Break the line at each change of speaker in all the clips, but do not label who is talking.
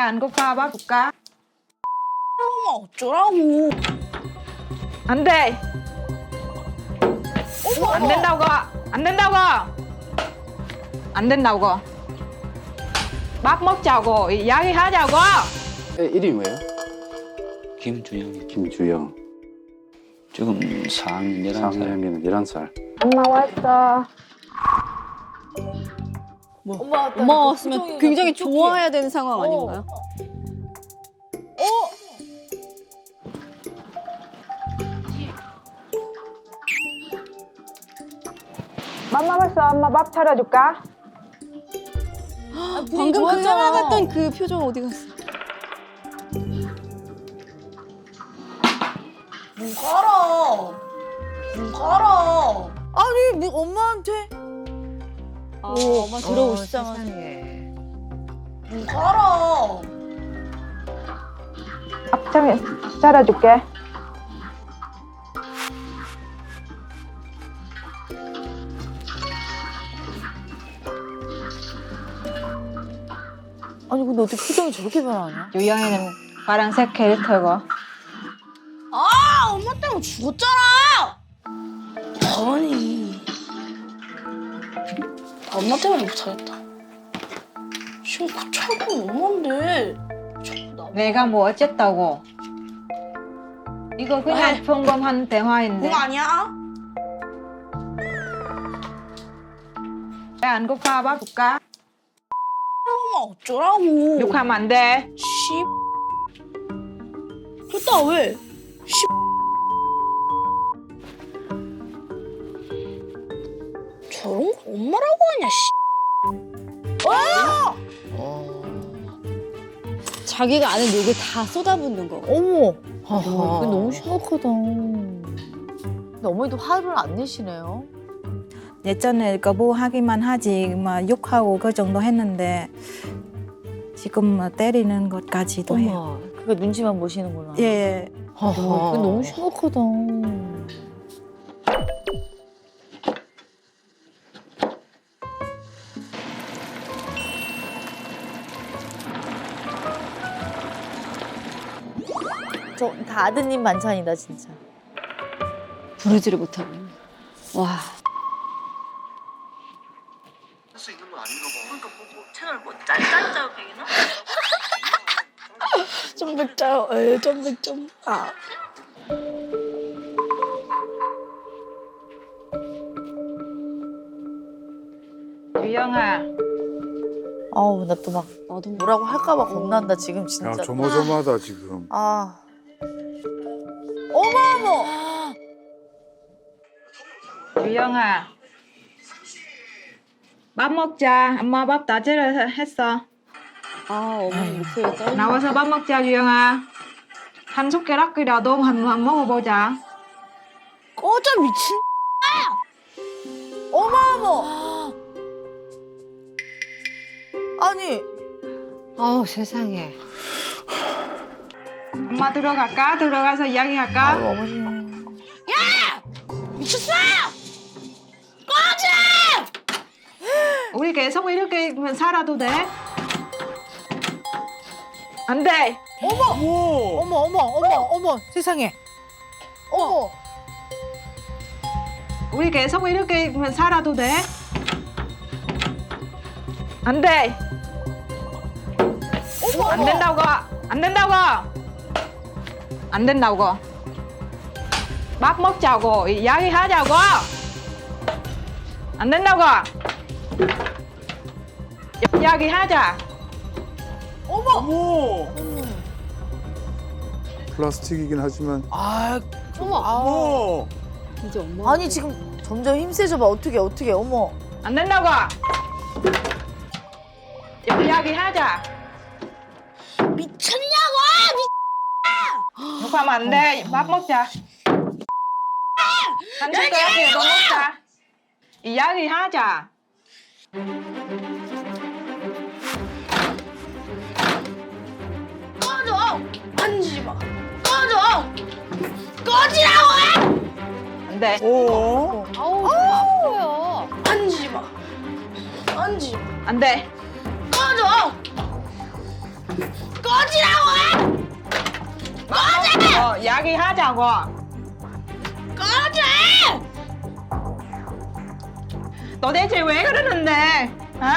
안 고파? 밥 줄까?
엄마 어쩌라고.
안 돼. 안 된다고. 안 된다고. 안 된다고. 밥 먹자고. 이야기하자고.
이름이 뭐예요?
김주영이
김주영.
지금 4학년 11살.
4학년이면 11살.
엄마 왔어.
엄마 왔으면 굉장히 좋아해야 되는 상황 아닌가요?
밥 먹었어. 엄마 밥 차려줄까?
방금 그 떠나갔던 그 표정 어디 갔어?
문 깔아. 문 깔아. 아니 뭐 엄마한테.
엄마 들어오시자마자.
문 깔아.
밥 차려줄게.
아니 근데 어떻게 표정이 저렇게 변하냐?
유영이는 파란색 캐릭터고.
아 엄마 때문에 죽었잖아. 아니. 엄마 때문에 못하겠다. 지금 고쳐할 건 엄마인데. 자꾸 나.
내가 뭐 어쨌다고. 이거 그냥 평범한 대화인데.
그거 아니야?
안 고파? 밥 줄까?
엄마 어쩌라고.
욕하면 안 돼.
씨. 됐다 왜? 씨. 저런 거 엄마라고 하냐 씨.
자기가 아는 욕을 다 쏟아붓는 거.
어머.
이거 너무
심각하다. 근데 어머니도 화를 안 내시네요.
예전에 거부하기만 하지 막 욕하고 그 정도 했는데 지금 뭐 때리는 것까지도 해요.
어머. 그러니까 눈치만 보시는구나.
예.
이거 너무 심각하다. 저 다 아드님 반찬이다 진짜.
부르지를 못하고. 와.
좀 맵자요. 좀 맵좀. 아.
유영아.
아우 나 또 막
나도
뭐라고 할까봐 겁난다 지금 진짜.
야, 조마조마하다 지금.
아. 어머 어머.
유영아. 밥 먹자. 엄마 밥 다 했어.
아 어머니 목소리가 떨려.
나와서 밥 먹자, 유영아. 한 숟가락이라도 한 먹어보자.
꺼져 미친.
어머 어머. 아니
아우 세상에.
엄마 들어갈까? 들어가서 이야기할까?
아유, 어머니.
미쳤어?
우리 계속 이렇게 살아도 돼? 안 돼.
어머 세상에. 어머.
우리 계속 이렇게 살아도 돼? 안 돼. 안 된다고. 안 된다고. 안 된다고. 밥 먹자고. 이야기하자고. 안 된다고. 이야기하자.
어머! 플라스틱이긴 하지만.
아
어머!
이제 엄마.
아니 지금 점점 힘세져 봐. 어떻게 어머.
안 된다고. 이야기하자.
미쳤냐고?
욕하면 안 돼. 밥 먹자. 한 숟가락이라도 먹자. 이야기하자.
꺼져. 만지지 마. 꺼져. 꺼지라고.
안 돼.
어?
아우 아파요.
만지지 마. 만지지 마.
안 돼.
꺼져.
이야기하자고. 도대체 왜 그러는데?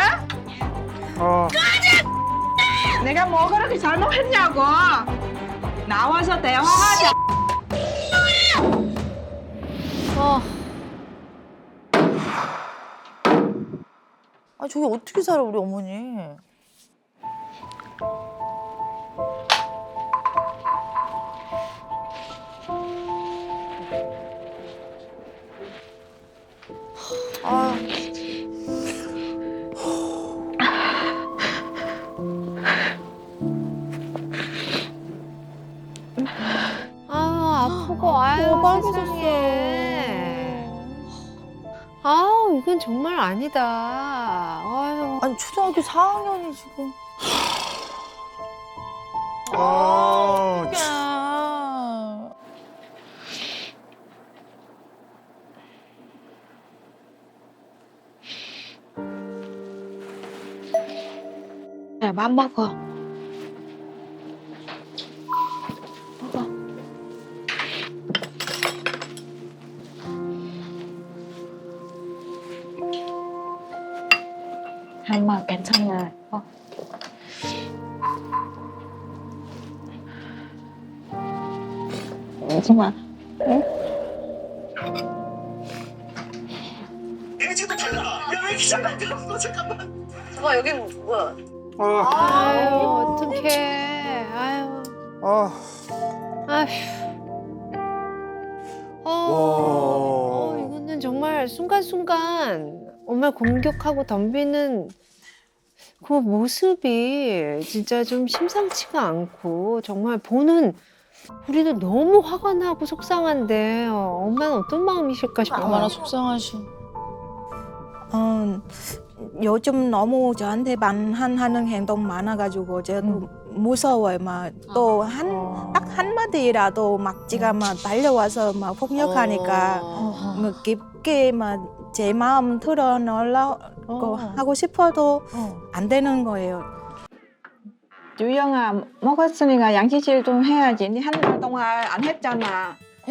어? 내가 뭐 그렇게 잘못했냐고. 나와서 대화하자.
아 저게 어떻게 살아 우리 어머니. 아.
아프고 아유 세상에. 아우 이건 정말 아니다. 아유.
아니 초등학교 4학년이 지금.
아,
야.
야, 맘 먹어. 엄마 괜찮아. 울지 마.
아유 어떡해. 아유.
아,
아휴. 이거는 정말 순간순간 엄마 공격하고 덤비는 그 모습이 진짜 좀 심상치가 않고 정말 보는 우리는 너무 화가 나고 속상한데 엄마는 어떤 마음이실까 싶어요.
얼마나 속상하시.
요즘 너무 저한테 반항하는 행동 많아가지고 저도 무서워요. 막 또 딱 한마디라도 막 지가 막 달려와서 막 폭력하니까 뭐 깊게 막 제 마음 털어놓으려고 하고 싶어도 안 되는 거예요. 유영아, 먹었으니까 양치질 좀 해야지. 니 한 달 동안 안 했잖아.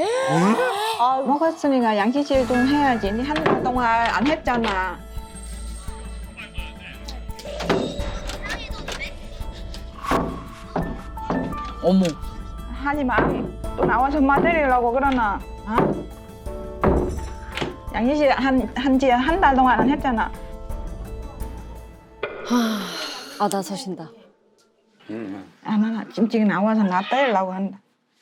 먹었으니까 양치질 좀 해야지. 니 한 달 동안 안 했잖아.
어머.
하지 마. 또 나와서 엄마 때리려고 그러나. 어? 양치질 한 달 동안 안 했잖아.
아 나서신다.
아, 나 찡찡이 나와서 나 때리려고 한다.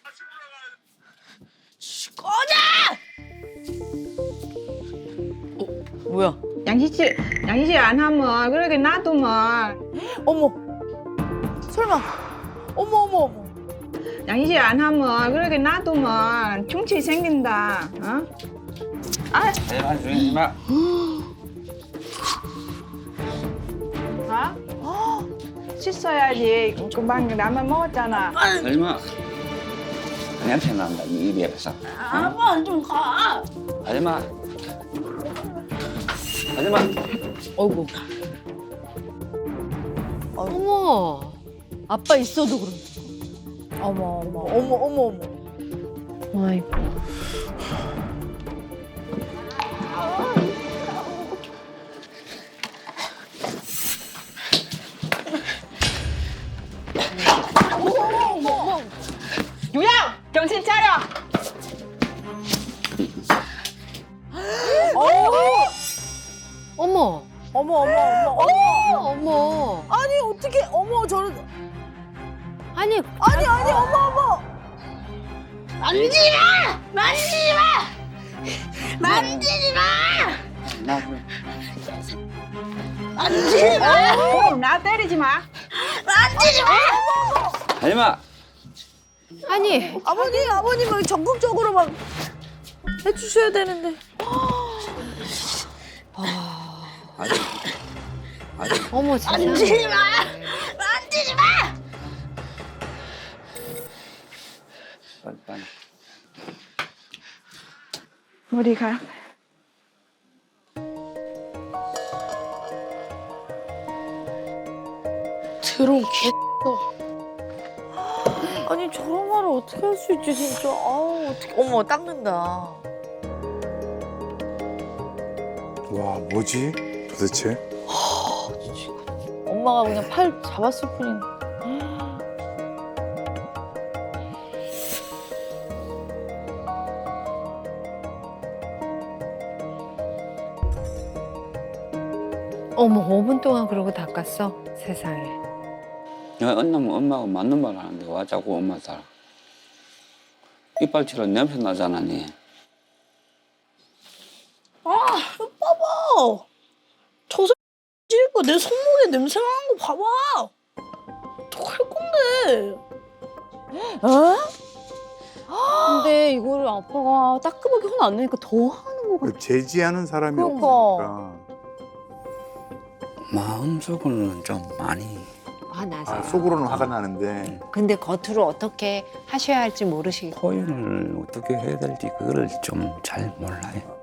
뭐야?
양치질 안 하면 그렇게 놔두면
어머. 설마. 어머 어머 어머.
양치질 안 하면 그렇게 놔두면 충치 생긴다. 어? 아,
제발 조용히 마.
어? 씻어야지. 금방 라면 먹었잖아.
설마 냄새 난다 이 입에 뱉어.
아빠 좀 가.
하지마. 하지마.
어이구.
어머.
아빠 있어도 그런.
어머 어머 어머 어머 어머.
아이고.
유양! 정신 차려!
어머.
어머 어머 어머 어머.
어머.
아니 어떻게 어머 저런.
아니
아니 아니 어머 어머.
나
나 때리지 마.
하지마.
아니
아버님은 적극적으로 막 해주셔야 되는데.
어머 세상에.
빨리.
우리가
드론 개.
아니 저런 말을 어떻게 할 수 있지 진짜. 아우 어떻게. 어머 닦는다.
와, 뭐지? 도대체?
엄마가 그냥 팔 잡았을 뿐인데.
어머 5분 동안 그러고 닦았어? 세상에.
내가 언나면 엄마가 맞는 말 하는데 와 자꾸 엄마 따라. 이빨치러 냄새 나잖아, 니.
봐봐. 저 찌고 내 손목에 냄새 나는 거 봐봐. 어떡할 건데?
근데 이거를 아빠가 따끔하게 혼 안 내니까 더 하는 거 같아.
제지하는 사람이
그러니까.
없으니까.
마음속으로는 좀 많이.
화나세요.
아, 속으로는 화가 나는데.
근데 겉으로 어떻게 하셔야 할지 모르시고.
표현을 어떻게 해야 될지 그거를 좀 잘 몰라요.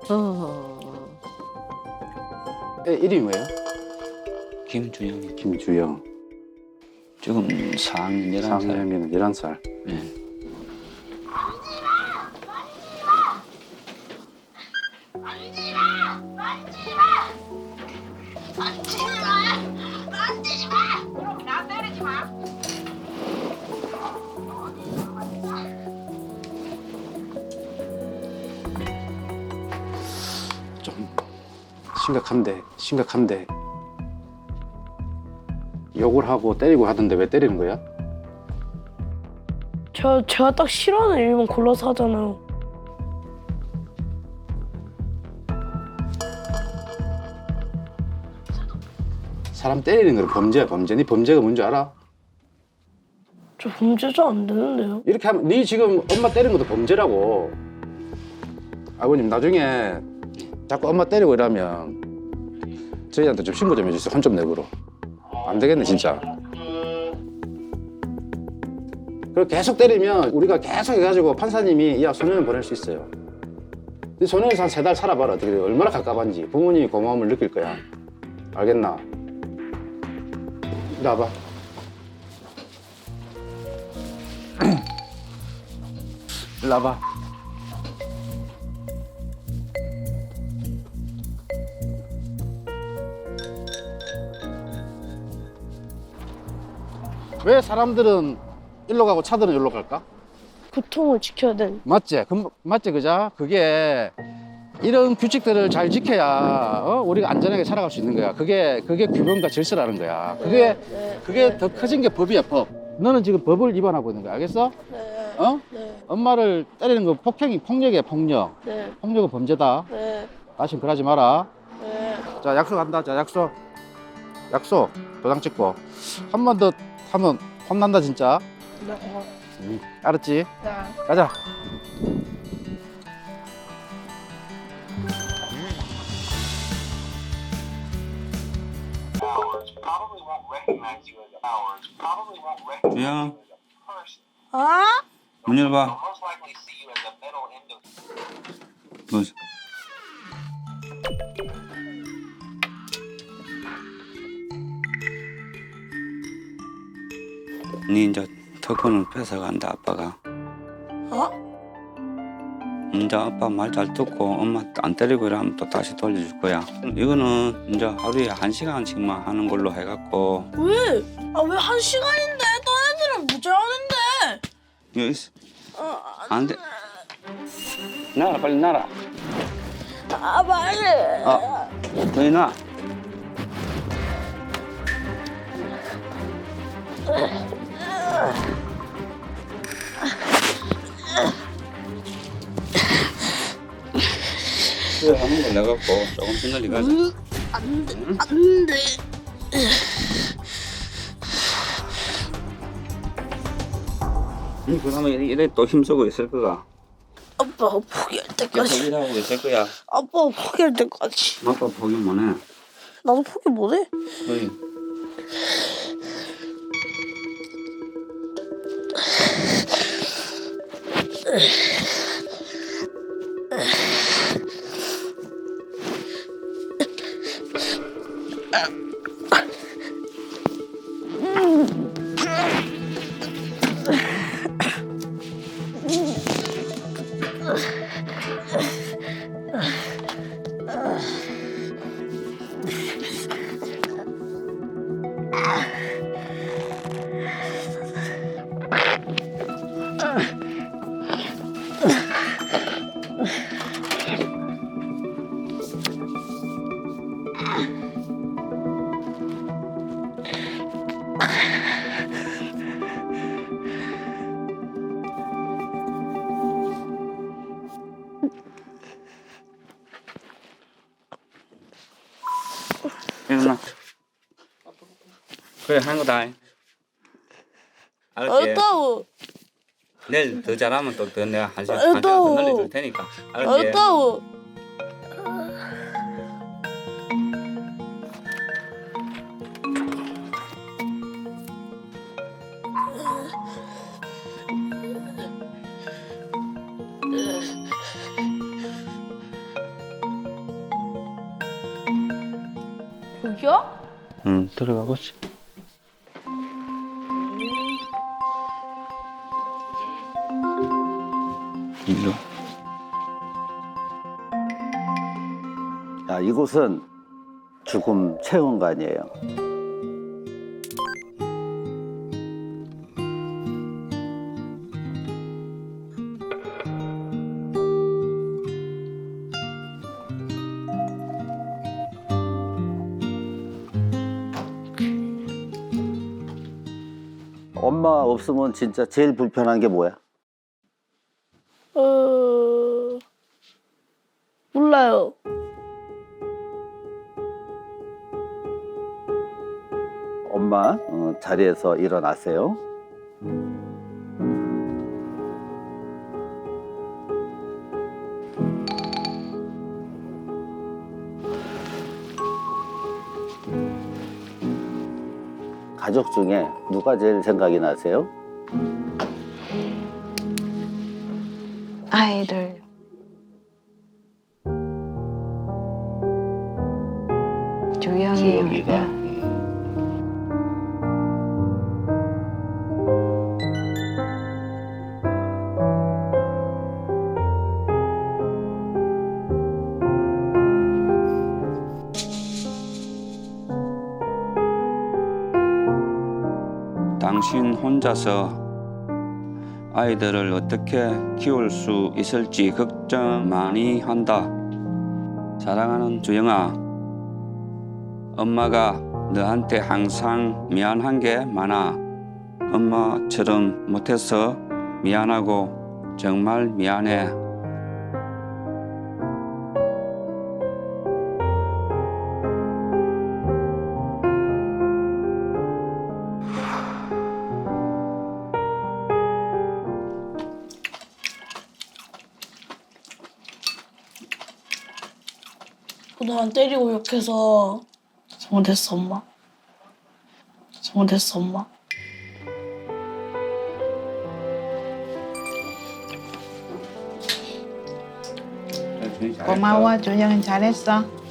애 이름이 뭐예요?
김주영이
김주영.
지금 4학년 11살.
4학년이면 11살.
네.
좀 심각한데. 욕을 하고 때리고 하던데 왜 때리는 거야?
제가 딱 싫어하는 일만 골라서 하잖아요.
사람 때리는 건 범죄야, 범죄. 네 범죄가 뭔지 알아?
저 범죄자 안 되는데요.
이렇게 하면 네 지금 엄마 때리는 것도 범죄라고. 아버님 나중에 자꾸 엄마 때리고 이러면 저희한테 좀 신고 좀 해주세요. 혼 좀 내고로. 안 되겠네 진짜. 그리고 계속 때리면 우리가 계속 해가지고 판사님이 야 소년원 보낼 수 있어요. 근데 소년원에서 한 3달 살아봐라. 어떻게 돼? 얼마나 갑갑한지 부모님이 고마움을 느낄 거야. 알겠나? 이리 와봐. 이리 와봐. 왜 사람들은 일로 가고 차들은 일로 갈까?
교통을 지켜야 되는.
맞지? 맞지 그자? 그게 이런 규칙들을 잘 지켜야 우리가 안전하게 살아갈 수 있는 거야. 그게 규범과 질서라는 거야. 그게 더 커진 게 법이야, 법. 너는 지금 법을 위반하고 있는 거야. 알겠어?
네.
어?
네.
엄마를 때리는 거 폭력이야, 폭력.
네.
폭력은 범죄다.
네.
다신 그러지 마라.
네.
자, 약속한다. 자, 약속. 도장 찍고. 한 번 더 하면 혼난다, 진짜.
네.
알았지?
네.
가자.
주영,
어?
문 열어봐. 뭐, 니 이제 특권을 뺏어간다 아빠가.
어?
이제 아빠 말 잘 듣고 엄마 안 때리고 이러면 또 다시 돌려줄 거야. 이거는 이제 하루에 1시간씩만 하는 걸로 해갖고.
왜? 아 왜 1시간인데? 딴 애들은 무죄하는데.
여기 있어. 안 돼. 나라 빨리 나라.
아 빨리.
너희 나. 그래 하는 걸 내갖고 조금씩 늘리 가자.
안 돼. 안 돼.
그러면 이래 또 힘쓰고 있을 거가.
아빠 포기할
계속
때까지.
일하고 있을 거야.
아빠 포기할 때까지.
아빠 포기 못해.
나도 포기 못해.
거의. 일어나. 그래 하는 거다. 알았지?
알았다고.
내일 더 잘하면 또 더 내가 한 시간 더 늘려줄 테니까. 알았지?
알았다고.
여기요?
응, 들어가고 있어. 일로.
야, 이곳은 죽음 체험관이에요. 엄마 없으면 진짜 제일 불편한 게 뭐야?
몰라요.
엄마 자리에서 일어나세요. 가족 중에 누가 제일 생각이 나세요?
아이들. 주영이가.
당신 혼자서 아이들을 어떻게 키울 수 있을지 걱정 많이 한다. 사랑하는 주영아, 엄마가 너한테 항상 미안한 게 많아. 엄마처럼 못해서 미안하고 정말 미안해.
그동안 때리고 욕해서 잘못했어, 엄마. 잘못했어, 엄마.
고마워, 주영이 잘했어.